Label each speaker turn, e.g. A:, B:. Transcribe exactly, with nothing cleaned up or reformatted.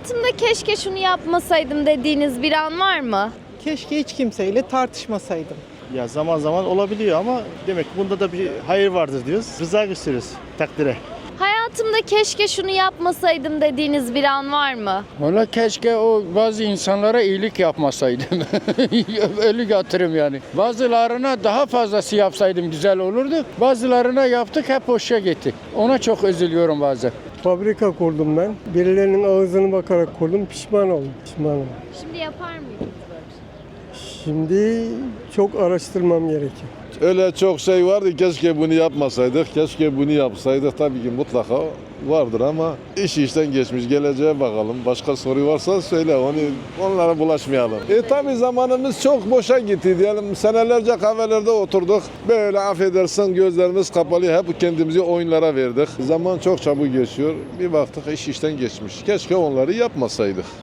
A: Hayatımda keşke şunu yapmasaydım dediğiniz bir an var mı?
B: Keşke hiç kimseyle tartışmasaydım.
C: Ya zaman zaman olabiliyor ama demek ki bunda da bir hayır vardır diyoruz. Rıza gösteriyoruz takdire.
A: Hayatımda keşke şunu yapmasaydım dediğiniz bir an var mı?
D: Valla keşke o bazı insanlara iyilik yapmasaydım. Öyle yatırım yani. Bazılarına daha fazlası yapsaydım güzel olurdu. Bazılarına yaptık hep boşa gitti. Ona çok üzülüyorum bazen.
E: Fabrika kurdum ben. Birilerinin ağzını bakarak kurdum. Pişman oldum. Pişman oldum.
A: Şimdi yapar mıydınız böyle bir şey?
E: Şimdi çok araştırmam gerekiyor.
F: Öyle çok şey vardı, keşke bunu yapmasaydık, keşke bunu yapsaydık. Tabii ki mutlaka vardır ama iş işten geçmiş, geleceğe bakalım. Başka soru varsa söyle, onu onlara bulaşmayalım. E tabii zamanımız çok boşa gitti diyelim. Senelerce kahvelerde oturduk. Böyle affedersin gözlerimiz kapalı, hep kendimizi oyunlara verdik. Zaman çok çabuk geçiyor. Bir baktık iş işten geçmiş. Keşke onları yapmasaydık.